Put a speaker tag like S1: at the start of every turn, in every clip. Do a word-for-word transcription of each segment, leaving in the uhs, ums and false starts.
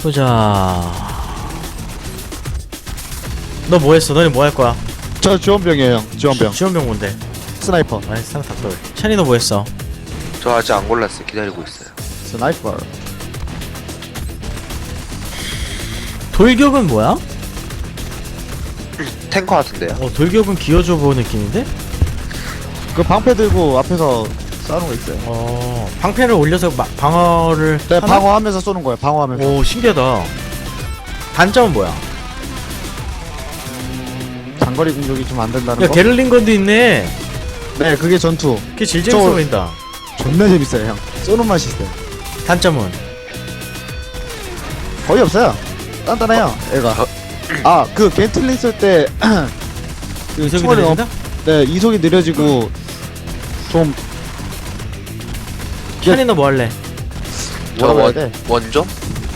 S1: 보자. 너 뭐했어? 너네 뭐 할 거야?
S2: 저 지원병이에요 형. 지원병.
S1: 지, 지원병 뭔데?
S2: 스나이퍼.
S1: 아이 상 닭돌. 찬이 너 뭐했어?
S3: 저 아직 안 골랐어요. 기다리고 있어요.
S2: 스나이퍼.
S1: 돌격은 뭐야?
S3: 탱커 같은데요.
S1: 어 돌격은 기어줘보 느낌인데?
S2: 그 방패 들고 앞에서 싸우는 거 있어요.
S1: 어 방패를 올려서 마, 방어를
S2: 네,
S1: 하나?
S2: 방어하면서 쏘는 거예요. 방어하면서.
S1: 오 신기하다. 단점은 뭐야?
S2: 장거리 공격이 좀 안 된다는
S1: 야
S2: 거.
S1: 게를링건도 있네.
S2: 네, 그게 전투.
S1: 그게 제일 재밌어
S2: 저-
S1: 보인다.
S2: 존나 재밌어요 형. 쏘는 맛이 있어요.
S1: 단점은?
S2: 거의 없어요. 단단해요 애가.
S3: 어?
S2: 아, 그 겐틀링 쓸 때 그
S1: 이속이
S2: 총알이
S1: 느려진다?
S2: 엄- 네, 이속이 느려지고 좀
S1: 찬이 너 뭐 할래?
S3: 저
S2: 뭐라고 해야
S3: 원,
S2: 돼?
S3: 원조?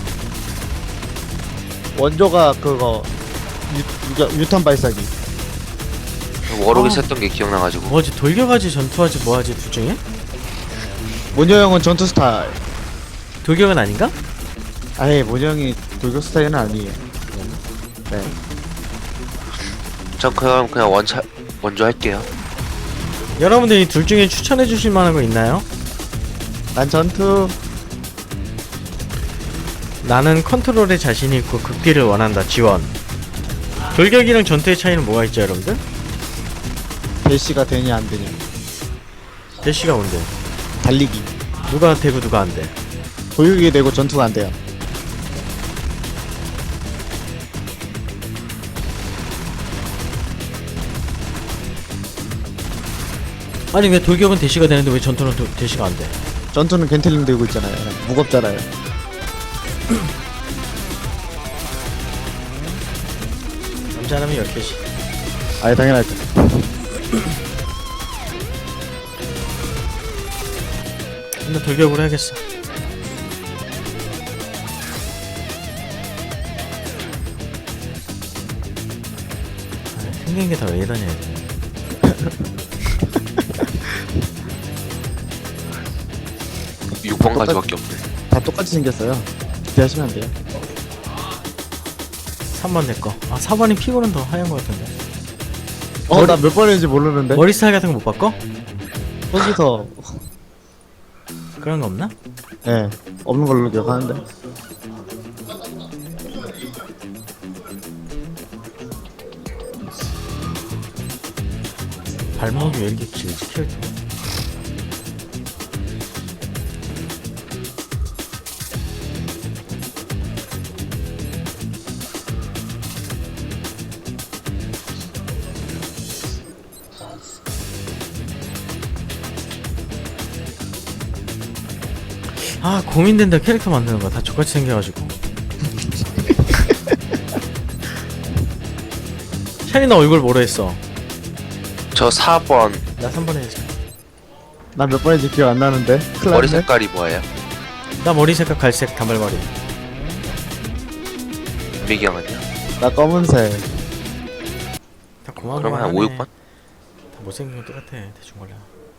S2: 원조가 그거 유, 유, 유탄 발사기.
S3: 워록이
S1: 어.
S3: 썼던 게 기억나가지고.
S1: 뭐하지? 돌격하지 전투하지 뭐하지 둘 중에?
S2: 모녀 형은 전투 스타일.
S1: 돌격은 아닌가?
S2: 아예 모녀 형이 돌격 스타일은 아니에요. 네.
S3: 전 그럼 그냥 원차 원조 할게요.
S1: 여러분들 이 둘 중에 추천해 주실 만한 거 있나요?
S2: 난 전투.
S1: 나는 컨트롤에 자신 있고 극딜을 원한다. 지원. 돌격이랑 전투의 차이는 뭐가 있죠, 여러분들?
S2: 대시가 되냐 안 되냐.
S1: 대시가 뭔데?
S2: 달리기.
S1: 누가 되고 누가 안 돼?
S2: 돌격이 되고 전투가 안 돼요.
S1: 아니 왜 돌격은 대시가 되는데 왜 전투는 도, 대시가 안 돼?
S2: 전투는 겐틀링 들고 있잖아요. 무겁잖아요.
S1: 남자라면 열 개씩.
S2: 아예 당연하죠.
S1: 근데 돌격으로 해야겠어. 아, 생긴 게 다 왜 이러냐 이제.
S3: 육 번까지밖에 없네.
S2: 다 똑같이 생겼어요. 기대하시면 안 돼요.
S1: 삼 번 내꺼. 아 사 번이 피고는 더 하얀 거 같은데.
S2: 어, 나 몇 번인지 모르는데.
S1: 머리 스타일 같은 거 못 바꿔?
S2: 거기서
S1: 그런 거 없나?
S2: 예 네, 없는 걸로 기억하는데.
S1: 발목이 왜 이렇게 길지 캐릭터? 아 고민된다. 캐릭터 만드는 거 다 족같이 생겨가지고. 샤니 너 얼굴 뭐로 했어?
S3: 저 사 번
S1: 나 삼 번 해야지.
S2: 나 몇 번인지 기억 안 나는데. 큰일
S3: 머리
S2: 났네.
S3: 색깔이 뭐예요?
S1: 나 머리 색깔 갈색 단발머리.
S3: 미경은요?
S2: 나 검은색.
S1: 다 고마워.
S3: 그러면 한 오, 육 번?
S1: 다 못생긴 건 똑같아. 대충 걸려.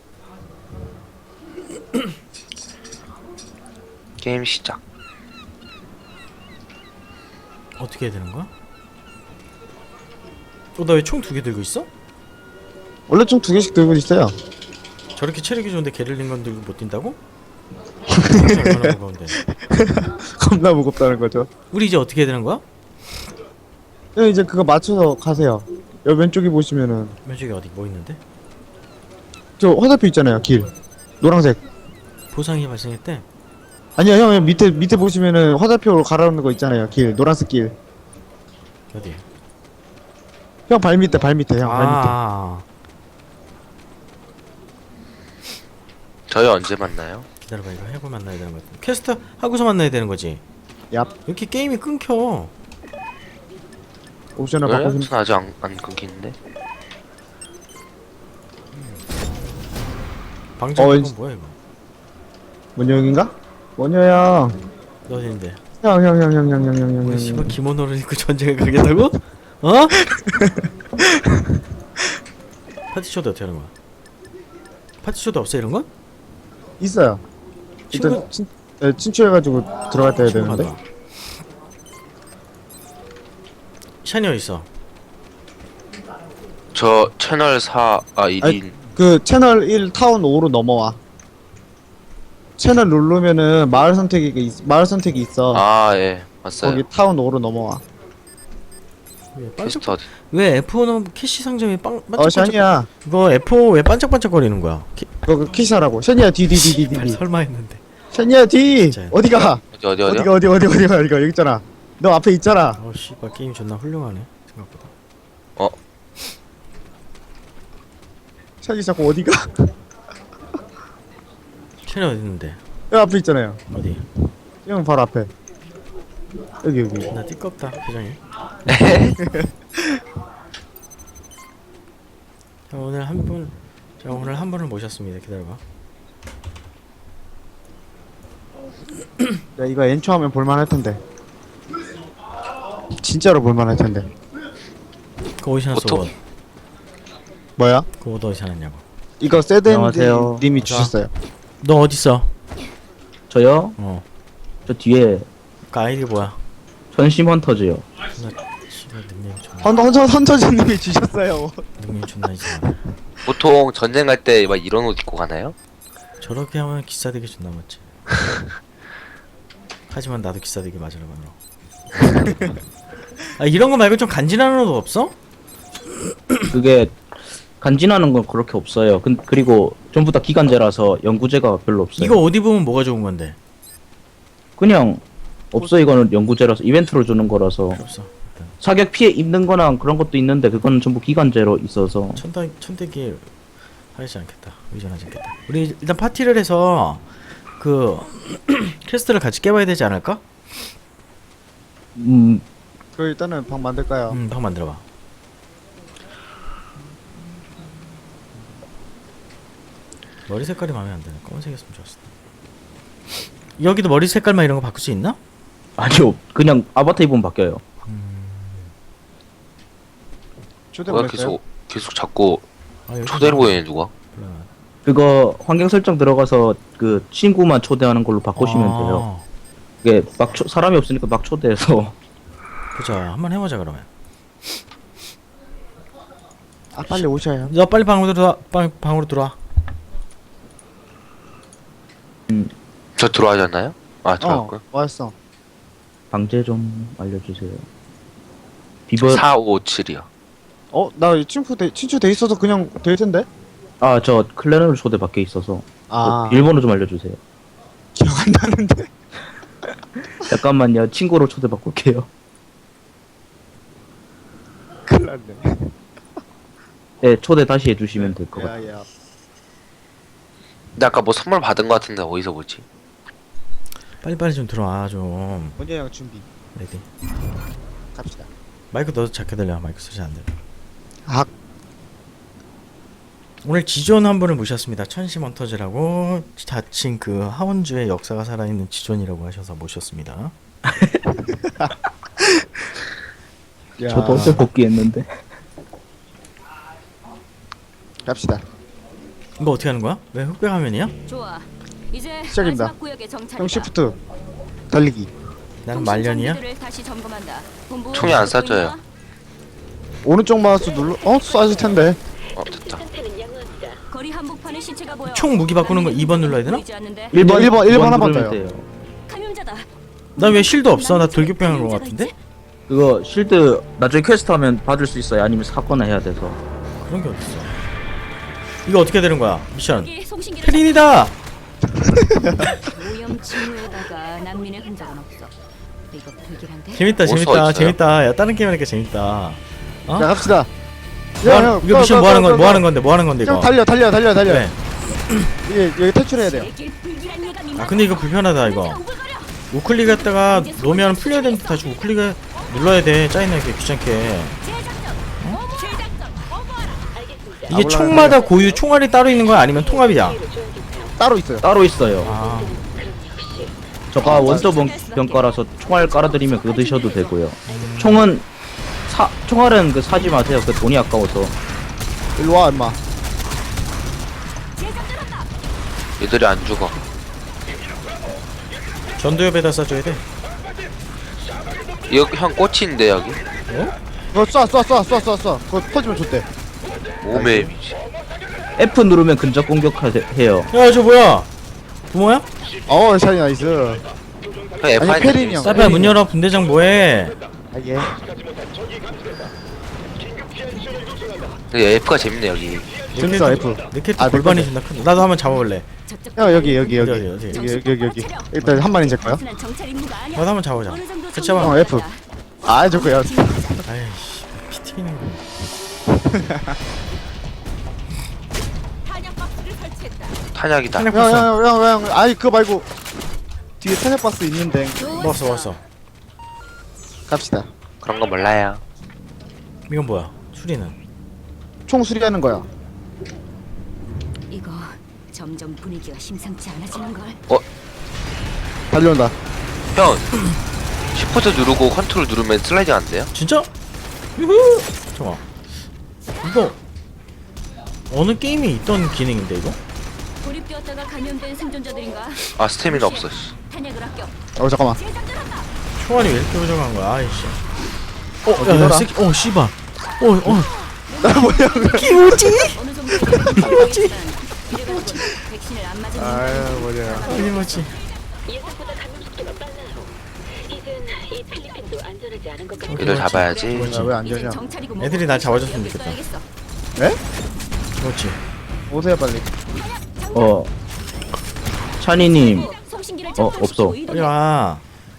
S3: 게임 시작.
S1: 어떻게 해야 되는 거야? 어, 나 왜 총 두 개 들고 있어?
S2: 원래 총 두 개씩 들고 있어요.
S1: 저렇게 체력이 좋은데 게를린 건 들고 못 뛴다고? 얼마나 무거운데.
S2: 겁나 무겁다는 거죠.
S1: 우리 이제 어떻게 해야 되는 거야?
S2: 네, 이제 그거 맞춰서 가세요. 여기 왼쪽에 보시면은
S1: 왼쪽에 어디 뭐 있는데?
S2: 저 화살표 있잖아요. 길 노란색.
S1: 보상이 발생했대.
S2: 아니야 형, 형 밑에 밑에 보시면은 화살표로 가라앉는 거 있잖아요. 길 노란색 길.
S1: 어디?
S2: 형 발 밑에 발 밑에 형 발 밑에.
S1: 아,
S3: 저희 언제 만나요?
S1: 기다려봐. 이거 해고 만나야 되는 거 같아. 퀘스트 하고서 만나야 되는 거지.
S2: 얍.
S1: 이렇게 게임이 끊겨.
S2: 옵션을
S3: 왜?
S2: 바꾸시면
S3: 전 아직 안, 안 끊기는데?
S1: 방장
S2: 어,
S1: 건
S2: 왠지-
S1: 뭐야 이거?
S2: 원효 형인가? 원효 형.
S1: 너 어딘데?
S2: 형 형 형 형 형 형 형
S1: 우리
S2: 형
S1: 씨발
S2: 형.
S1: 기모노를 입고 전쟁에 가겠다고? 어? 파티쇼도 어떻게 하는 거야? 파티쇼도 없어 이런 거?
S2: 있어요.
S1: 친구
S2: 일단 친, 네, 친추해가지고 들어갔다 해야
S1: 친구
S2: 되는데.
S1: 가자. 찬이 어딨어?
S3: 저 채널 사, 아 일 인.
S2: 그 채널 일 타운 오로 넘어와. 채널 누르면은 마을 선택이 있, 마을 선택이 있어.
S3: 아, 예. 왔어요.
S2: 거기 타운 오로 넘어와.
S1: 왜 반짝,
S3: 퀘스트 어디?
S1: 왜 에프 오 넣으면 캐시 상점이 빵
S2: 어
S1: 반짝반짝
S2: 샤니야.
S1: 이거 에프 오 왜 반짝반짝거리는 거야? 키,
S2: 그거 키시하라고. 샤니야 뒤 뒤 뒤 뒤
S1: 발
S2: 뒤.
S1: 설마 했는데
S2: 샤니야 뒤.
S1: 진짜요?
S2: 어디가?
S3: 어디 어디 어디요?
S2: 어디가 어디 어디 어디가 어디가 여기 있잖아. 너 앞에 있잖아.
S1: 어 씨발 게임 존나 훌륭하네 생각보다.
S3: 어,
S2: 샤니 자꾸 어디가?
S1: 찬이 어디 있는데?
S2: 여기 앞에 있잖아요.
S1: 어디?
S2: 형 바로 앞에. 여기 여기.
S1: 나 띠껍다 표정이. 자 오늘 한 분, 자 오늘 한 분을 모셨습니다. 기다려봐.
S2: 야 이거 엔초 하면 볼만할 텐데. 진짜로 볼만할 텐데.
S1: 그 어디서 났어?
S3: 보통-
S1: 옷?
S2: 뭐야?
S1: 그 옷 어디서 났냐고?
S2: 이거 세덴
S4: 안녕하세요.
S2: 님이
S1: 자.
S2: 주셨어요.
S1: 너 어디 있어?
S4: 저요?
S1: 어.
S4: 저 뒤에
S1: 그 아이디 뭐야?
S4: 전심 헌터즈요.
S1: 씨발 닉네임 존나
S2: 헌터 헌터 헌터진 님이 주셨어요.
S1: 닉네임 존나 이상하네.
S3: 보통 전쟁 갈 때 막 이런 옷 입고 가나요?
S1: 저렇게 하면 기싸대기 존나 맞지. 하지만 나도 기싸대기 맞으러 가노. 아 이런 거 말고 좀 간지나는 옷 없어?
S4: 그게 간지나는 건 그렇게 없어요. 근, 그리고 전부 다 기간제라서 연구제가 별로 없어요.
S1: 이거 어디 보면 뭐가 좋은 건데?
S4: 그냥 없어. 이거는 연구제라서 이벤트로 주는 거라서
S1: 필요 없어. 일단
S4: 사격 피해 입는 거나 그런 것도 있는데 그거는 전부 기간제로 있어서
S1: 천대 천대기 하지 않겠다. 의존하지 않겠다. 우리 일단 파티를 해서 그 퀘스트를 같이 깨봐야 되지 않을까?
S4: 음
S2: 그 일단은 방 만들까요?
S1: 음, 방 만들어봐. 머리 색깔이 마음에 안 드네. 검은색이었으면 좋았을 텐데. 여기도 머리 색깔만 이런 거 바꿀 수 있나?
S4: 아니요. 그냥 아바타 입으면 바뀌어요.
S2: 초대
S3: 뭐야
S2: 보냈어요?
S3: 계속 계속 자꾸
S1: 아, 여기
S3: 초대를 보이네 누가?
S1: 몰라.
S4: 그거 환경 설정 들어가서 그 친구만 초대하는 걸로 바꾸시면
S1: 아,
S4: 돼요. 이게 막 초, 사람이 없으니까 막 초대해서
S1: 보자. 한번 해보자 그러면.
S2: 아 빨리 오셔요.
S1: 너 빨리 방으로 들어와. 방, 방으로 들어와.
S3: 저 들어와지 않나요? 아
S2: 어
S3: 들어왔고요.
S2: 왔어.
S4: 방제 좀 알려주세요. 비버
S3: 사오오칠이요.
S2: 어나 친구 돼 친추 돼 있어서 그냥 될 텐데.
S4: 아 저 클랜으로 초대 밖에 있어서
S2: 아
S4: 그 비밀번호 좀 알려주세요.
S2: 기억 안 나는데.
S4: 잠깐만요. 친구로 초대 바꿀게요.
S2: 큰일 났네.
S4: 네 초대 다시 해주시면 될 것 같아요.
S2: 야야.
S3: 근데 아까 뭐 선물 받은 거 같은데 어디서 보지?
S1: 빨리 빨리 좀 들어와 좀.
S2: 원형 준비.
S1: 레디.
S2: 갑시다.
S1: 마이크 너도 작게 들려. 마이크 소리 안 들려.
S2: 아
S1: 오늘 지존 한 분을 모셨습니다. 천심 헌터즈라고 자칭 그 하원주의 역사가 살아있는 지존이라고 하셔서 모셨습니다.
S2: 야.
S4: 저도 어제 복귀했는데.
S2: 갑시다.
S1: 이거 어떻게 하는 거야? 왜 흑백 화면이야?
S5: 좋아. 이제
S2: 시작입니다.
S5: 마지막 구역의 정찰이다.
S2: 형 시프트 달리기.
S1: 나는
S5: 통신
S1: 말년이야?
S5: 장비들을 다시 점검한다. 본부
S3: 총이 안
S5: 듣고
S3: 쏴져요.
S5: 있나?
S2: 오른쪽 마우스 눌러. 어 쏴질 텐데.
S3: 어 됐다.
S5: 거리 한복판에 시체가 보여.
S1: 총 무기 바꾸는 거 이 번 눌러야 되나?
S5: 보이지 않는데?
S2: 일 번, 일 번, 일 번
S4: 번
S2: 한번
S4: 누르면
S2: 더요.
S4: 돼요.
S5: 감염자다.
S1: 나 왜 실드 없어? 나 돌격병한 거 같은데?
S4: 그거 실드 나중에 퀘스트 하면 받을 수 있어요. 아니면 사거나 해야 돼서.
S1: 그런 게 어딨어. 이거 어떻게 되는 거야? 미션.
S5: 여기 송신기를
S1: 페린이다!
S5: 오염 징후에다가 난민의 흔적은 없어. 이거 불길한데?
S1: 재밌다
S3: 올 수가
S1: 재밌다
S3: 있어요.
S1: 재밌다. 야 다른 게임 하니까 재밌다. 어?
S2: 자 갑시다.
S1: 뭐 하는- 이거 미션 뭐 하는 건 뭐 하는 건데 뭐 하는 건데
S2: 형
S1: 이거?
S2: 달려 달려 달려 달려.
S1: 네.
S2: 이게 여기 탈출해야 돼요.
S5: 제길 불길한 예감이
S1: 아 근데 이거 불편하다 이거.
S5: 우글거려.
S1: 우클릭 했다가 놓으면 풀려야 되는데 다시 우클릭 눌러야 돼. 짜증나게 귀찮게.
S5: 재작전. 어머, 재작전. 어머라.
S1: 이게 총마다 고유 총알이 따로 있는 거야 아니면 통합이야?
S2: 따로 있어요.
S4: 따로 있어요.
S1: 아
S4: 저가 원서 병- 병가라서 총알 깔아드리면 그거 드셔도 되고요. 총은 사 총알은 그 사지 마세요. 그 돈이 아까워서.
S2: 일로 와 임마.
S5: 재작전한다.
S3: 얘들이 안 죽어.
S1: 전두엽에다 쏴줘야 돼.
S3: 여기 형 꽃인데 여기?
S1: 어?
S2: 그거 쏴쏴쏴쏴쏴쏴 그거 터지면 좋대.
S3: 몸에 위치.
S4: F 누르면 근접 공격해요.
S1: 야 저 뭐야? 부모야?
S2: 어 샤이 나이스.
S3: 형 F
S2: 아니, 페린이 형.
S1: 사페야 문 열어. 분대장 뭐해?
S2: 아 예.
S3: F가 재밌네 여기.
S2: 재밌어 F.
S1: 내 캐릭터
S2: 아, 내
S1: 골반이
S2: 건데.
S1: 존나 큰데. 나도 한번 잡아볼래.
S5: 저쪽
S2: 형 여기 여기 여기
S1: 어디,
S2: 여기
S1: 어디,
S2: 여기 여기 여기 여기. 일단 한 마리 제거요.
S5: 단순한 정찰 임무가 아니야.
S1: 나도 한번 잡아보자.
S5: 어느 정도
S1: 같이 해봐.
S2: 어, F. 아 저거야.
S1: 아이씨 피 튀기는 거.
S3: 탄약이다.
S1: 탄약 봤어.
S2: 형형형형 아이 그거 말고 뒤에 탄약 박스 있는데
S1: 먹었어 먹었어.
S2: 갑시다.
S3: 그런 거 몰라요.
S1: 이건 뭐야? 수리는?
S2: 총 수리하는 거야.
S5: 이거 점점 분위기가 심상치 않아지는 걸.
S2: 달려온다.
S3: 형 시프트 누르고 컨트롤 누르면 슬라이딩 안 돼요?
S1: 진짜? 유후! 잠깐. 이거 어느 게임에 있던 기능인데 이거?
S5: 고립되었다가 감염된 생존자들인가?
S3: 아 스태미나 없어. 씨.
S5: 탄약을 아껴.
S2: 어 잠깐만.
S1: 총알이 왜 이렇게 부족한 거야? 아이씨. 어,
S2: 어디
S1: 야, 야,
S2: 놀아?
S1: 새끼, 어, 씨발. 어, 어.
S2: 나 뭐야?
S1: 기모지?
S5: 어느 정도 뭐지? 백신을 안 맞은
S2: 아유 뭐냐.
S1: 기모지.
S6: 예상보다 감염 속도가 빨라요. 이젠 이 필리핀도 안전하지 않은 것 같아요.
S3: 얘들 잡아야지.
S2: 뭐냐 왜안
S5: 이젠
S2: 되냐?
S5: 정찰이고
S1: 애들이 날 잡아줬으면 좋겠다.
S5: 써야겠어.
S1: 기모지.
S2: 오세요 빨리.
S4: 어. 샤니님,
S5: 송신기를
S4: 어,
S5: 작동시키고
S4: 없어.
S5: 이동해.
S1: 빨리 와.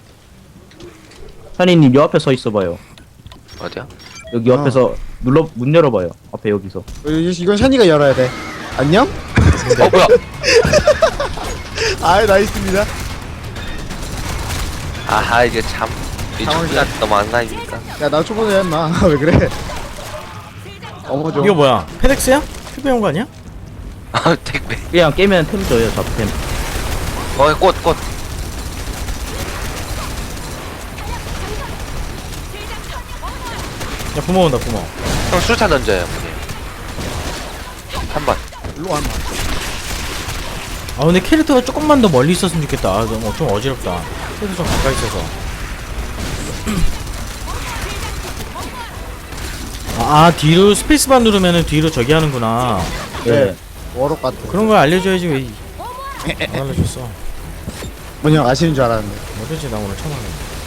S4: 샤니님 요 앞에 서 있어봐요.
S3: 어디야?
S4: 여기
S2: 어.
S4: 옆에서 눌러 문 열어봐요. 앞에 여기서.
S2: 어, 이- 이건 샤니가 열어야 돼. 안녕?
S3: 어 뭐야?
S2: 아이 나이스입니다.
S3: 아하 이게 참. 이
S2: 상황이
S3: 총기가 너무 안 나니까.
S2: 야나 초보자 했나? 왜 그래? 어머죠.
S1: 이거 뭐야? 페덱스야? 큐베 온거 아니야?
S3: 아 택배.
S4: 그냥 깨면 템 줘요, 잡템.
S3: 어꽃 꽃.
S1: 야, 부모 온다, 부모.
S3: 형 수류탄 던져요. 한 번.
S2: 일로 와. 인마.
S1: 아, 근데 캐릭터가 조금만 더 멀리 있었으면 좋겠다. 아, 너무 좀 어지럽다. 캐릭터 좀 가까이 있어서. 아, 아, 뒤로 스페이스바 누르면은 뒤로 저기 하는구나.
S4: 네.
S2: 워럭 같아.
S1: 그런 걸 알려줘야지 왜 안 알려줬어.
S2: 뭐냐 아시는 줄 알았는데.
S1: 뭐든지 나 오늘 처음 하네.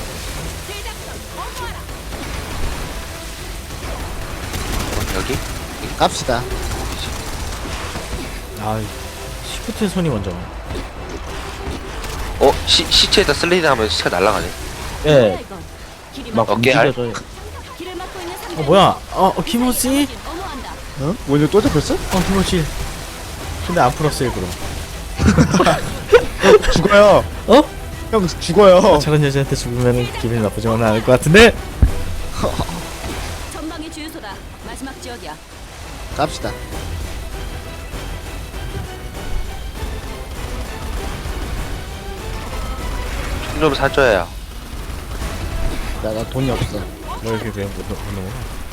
S3: 여기?
S2: 갑시다.
S1: 아, 시프트 손이 먼저.
S3: 어 시, 시체에다 슬레이드 하면 시체가 날아가네.
S4: 예.
S5: 길이
S4: 막
S3: 어깨 알?
S4: 움직여져요.
S5: 길을 막고 있는
S1: 어, 뭐야? 어, 어 키모지?
S5: 어머한다.
S2: 어? 뭐냐 또 잡혔어?
S1: 어, 키모지. 근데 안 풀었어, 일부러.
S2: 죽어요.
S1: 어?
S2: 형 죽어요.
S1: 저런 여자한테 죽으면 기분이 나쁘지만은 않을 것 같은데?
S5: 전방의 주유소다. 마지막 지역이야.
S2: 갑시다.
S3: 총 좀 사줘야.
S2: 야 나 돈이 없어.
S1: 뭐 이렇게 그냥 못 넣는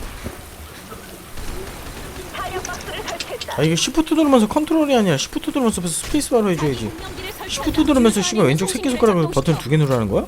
S1: 아, 이게 시프트 누르면서 컨트롤이 아니야. 시프트 누르면서 스페이스바로 해줘야지. 시프트 누르면서 씨발 왼쪽 새끼손가락으로 버튼 두 개 누르라는 거야?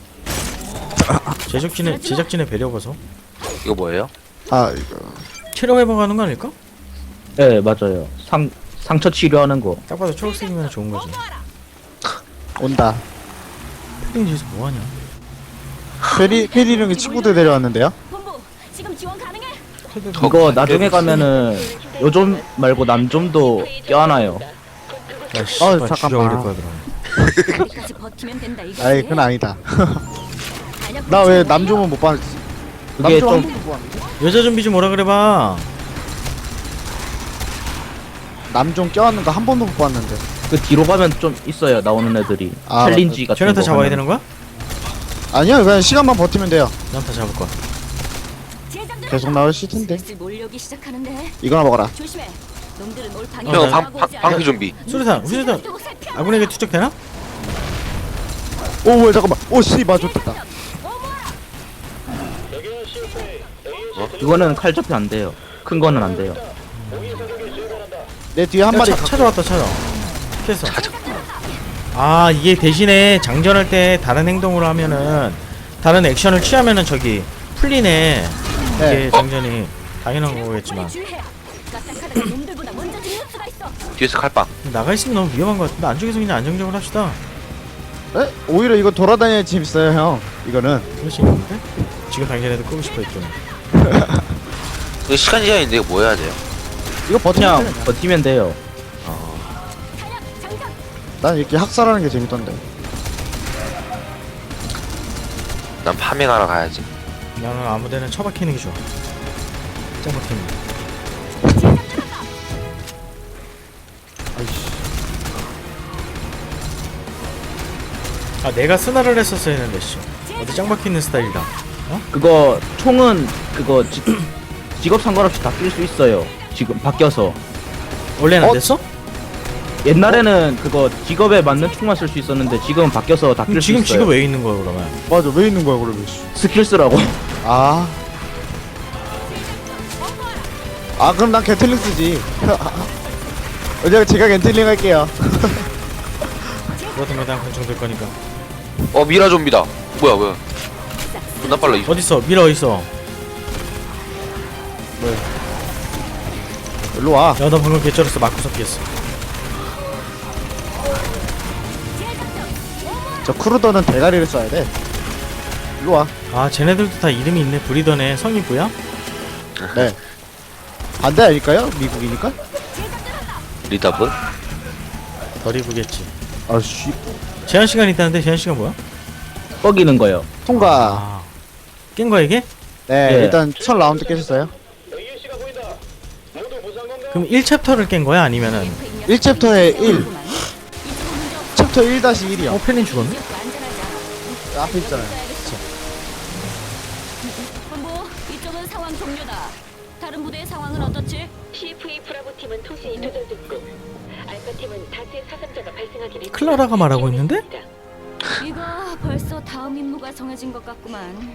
S1: 제작진의 제작진의 배려 봐서
S3: 이거 뭐예요?
S2: 아 이거.
S1: 체력 회복하는 거 아닐까?
S4: 예, 맞아요. 상 상처 치료하는 거.
S1: 딱 봐도 초록색이면 좋은 거지.
S2: 온다.
S1: 패딩지에서 뭐 하냐?
S2: 페리 페리 형이 친구들 데려왔는데요?
S5: 본부 지금 지원 가능해?
S3: 더
S4: 이거
S3: 안
S4: 나중에
S3: 되겠어.
S4: 가면은 요즘 말고 남좀도 껴안아요.
S1: 야, 씨발
S2: 잠깐만.
S1: 죽여버릴 거야 그럼.
S5: 여기까지 버티면 된다 이거.
S2: 아이 그건 아니다. 나 왜 남종은 못 봤지?
S4: 그게
S2: 남종 한
S4: 좀-
S2: 번도 못 봤는데?
S1: 여자 좀비 좀 오라 그래봐.
S2: 남종 껴안는 거 한 번도 못 봤는데.
S4: 그 뒤로 가면 좀 있어요. 나오는 애들이.
S2: 아,
S4: 챌린지 같은
S1: 쟤네한테
S4: 거.
S1: 잡아야
S4: 하면.
S1: 되는 거야?
S2: 아니야 그냥 시간만 버티면 돼요.
S1: 나한테 잡을 거야.
S2: 계속 나올 텐데.
S5: 슬슬 몰려오기 시작하는데
S2: 이거나 먹어라.
S5: 조심해. 놈들은 올 방향.
S3: 형 방, 방, 방패 좀비.
S1: 수류탄, 수류탄. 아군에게 투척되나?
S2: 오 뭐야 잠깐만. 오씨 맞았다.
S4: 이거는 칼 접히 안 돼요. 큰 거는 안 돼요.
S2: 내 뒤에 한
S1: 야,
S2: 마리.
S1: 차, 찾아왔다 찾아. 피했어. 아, 이게 대신에 장전할 때 다른 행동으로 하면은 다른 액션을 취하면은 저기 풀리네.
S2: 네.
S1: 이게 장전이 당연한 거겠지만
S5: 주의해야. 까딱하다가 놈들보다 먼저 죽는 수가 있어.
S3: 뒤에서 칼빵.
S1: 나가 있으면 너무 위험한 것 같은데 안쪽에서 그냥 안정적으로 합시다.
S2: 에? 오히려 이거 돌아다녀야 재밌어요 형. 이거는
S1: 그럴 수 있는데 지금 당장에도 끄고 싶어 했더니
S3: 이거 시간 제한인데 이거 뭐 해야 돼요?
S2: 이거 버티면
S4: 그냥 버티면 돼요.
S2: 난 이렇게 학살하는 게 재밌던데.
S3: 난 파밍하러 가야지.
S1: 나는 아무데나 처박히는 게 좋아. 짱 박히는 게. 아 내가 스나를 했었어야 했는데 씨 어디 짱 박히는 스타일이다.
S4: 그거 총은 그거 지, 직업 상관없이 다 낄 수 있어요. 지금 바뀌어서.
S1: 원래는 안
S2: 어?
S1: 됐어?
S4: 옛날에는 그거 직업에 맞는 총만 쓸 수 있었는데 지금은 바뀌어서 다
S1: 그럼
S4: 낄 수
S1: 지금
S4: 있어요.
S1: 지금 왜 있는 거야 그러면?
S2: 맞아 왜 있는 거야 그러면? 씨.
S4: 스킬 쓰라고.
S2: 아. 아 그럼 난 겐틀링 쓰지. 어제 제가 겐틀링 할게요.
S1: 그러던 거다 권총될 거니까.
S3: 어 미라 좀비다. 뭐야 뭐야. 존나 빨라 이.
S1: 어딨어? 미라 어딨어?
S2: 일로 와.
S1: 야 너 방금 개쩔었어. 마크 섞였어.
S2: 저 크루더는 대가리를 써야 돼. 일로 와.
S1: 아 쟤네들도 다 이름이 있네. 브리더네. 성이 뭐야?
S2: 네. 반대 아닐까요? 미국이니까?
S3: 리더블?
S1: 덜 입으겠지.
S2: 아씨.
S1: 제한 시간 있다는데 제한 시간 뭐야?
S4: 뻐기는 거요.
S2: 통과.
S1: 아, 깬 거야 이게?
S2: 네,
S4: 예.
S2: 일단 첫 라운드 깨셨어요.
S1: 그럼 일 챕터를 깬 거야 아니면은?
S2: 일 챕터에 일. 챕터 일 다시 일이요.
S1: 어 펠린 죽었네?
S2: 앞에 있잖아요.
S5: 본부 이쪽은 상황 종료다. 다른 부대의 상황은 어떻지?
S6: 씨에프이 브라보 팀은 통신이 두절됐고 알파 팀은 다수의 사상자가 발생하기를
S1: 클라라가 말하고 있는데?
S5: 이거 벌써 다음 임무가 정해진 것 같구만.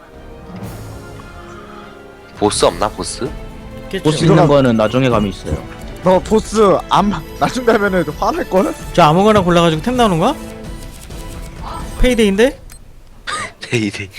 S3: 보스 없나 보스?
S1: 있겠죠.
S4: 보스 있는 거는 나중에 감이 있어요.
S2: 너 보스 안 나중 되면은 화날 걸?
S1: 저 아무거나 골라가지고 템 나오는 거야? 페이데이인데?
S3: 데이데이.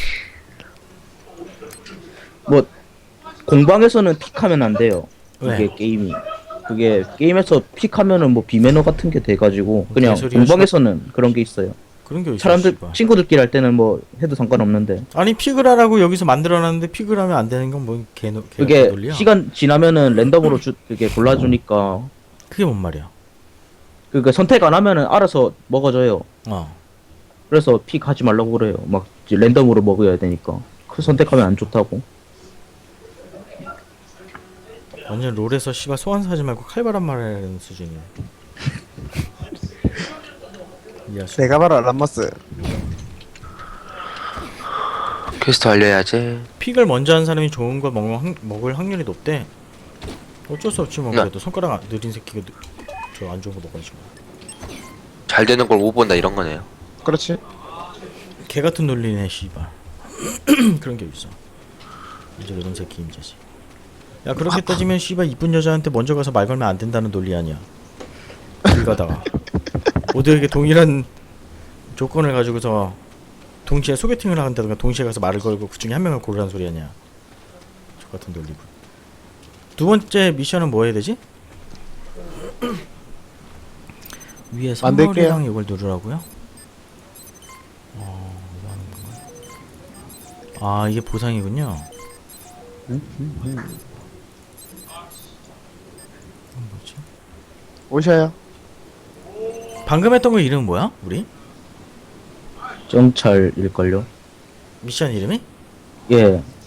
S4: 뭐 공방에서는 픽하면 안 돼요.
S1: 왜?
S4: 그게 게임이. 그게 게임에서 픽하면은 뭐 비매너 같은 게 돼가지고 그냥
S1: 개소리야,
S4: 공방에서는 그런 게 있어요.
S1: 그런 게 어딨어
S4: 사람들
S1: 씨발.
S4: 친구들끼리 할 때는 뭐 해도 상관없는데
S1: 아니 픽을 하라고 여기서 만들어놨는데 픽을 하면 안 되는 건 뭔 개노 개
S4: 그게
S1: 논리야?
S4: 시간 지나면은 랜덤으로 주 그게 골라주니까
S1: 그게 뭔 말이야?
S4: 그게 선택 안 하면은 알아서 먹어줘요.
S1: 어.
S4: 그래서 픽 하지 말라고 그래요. 막 이제 랜덤으로 먹어야 되니까. 그 선택하면 안 좋다고.
S1: 완전 롤에서 씨발 소환 사지 말고 칼바람 말하는 수준이야. 야, 수...
S2: 내가 바로 람머스.
S3: 퀘스트 완료해야지.
S1: 픽을 먼저 한 사람이 좋은 거 먹을, 확, 먹을 확률이 높대. 어쩔 수 없지 뭐.
S3: 네.
S1: 그래도 손가락 안- 느린 새끼가 저 안 좋은 거 먹어야지 뭐.
S3: 잘 되는 걸 못 본다 이런 거네요.
S2: 그렇지.
S1: 개 같은 논리네 씨발. 그런 게 있어. 이제 이런 새끼 임자지. 야 그렇게 따지면 씨발 이쁜 여자한테 먼저 가서 말 걸면 안 된다는 논리 아니야. 길 가다가 모두에게 동일한 조건을 가지고서 동시에 소개팅을 한다든가 동시에 가서 말을 걸고 그 중에 한 명을 고르라는 소리 아니야. 저 같은 논리고. 두 번째 미션은 뭐 해야 되지? 위에
S2: 만들게요.
S1: 선물이랑 이걸 누르라고요? 어, 이거 하는 건가? 아 이게 보상이군요. 이건 뭐지?
S2: 오셔요.
S1: 방금 했던 거 이름 뭐야? 우리?
S4: 정찰일걸요?
S1: 미션 이름이?
S4: 예.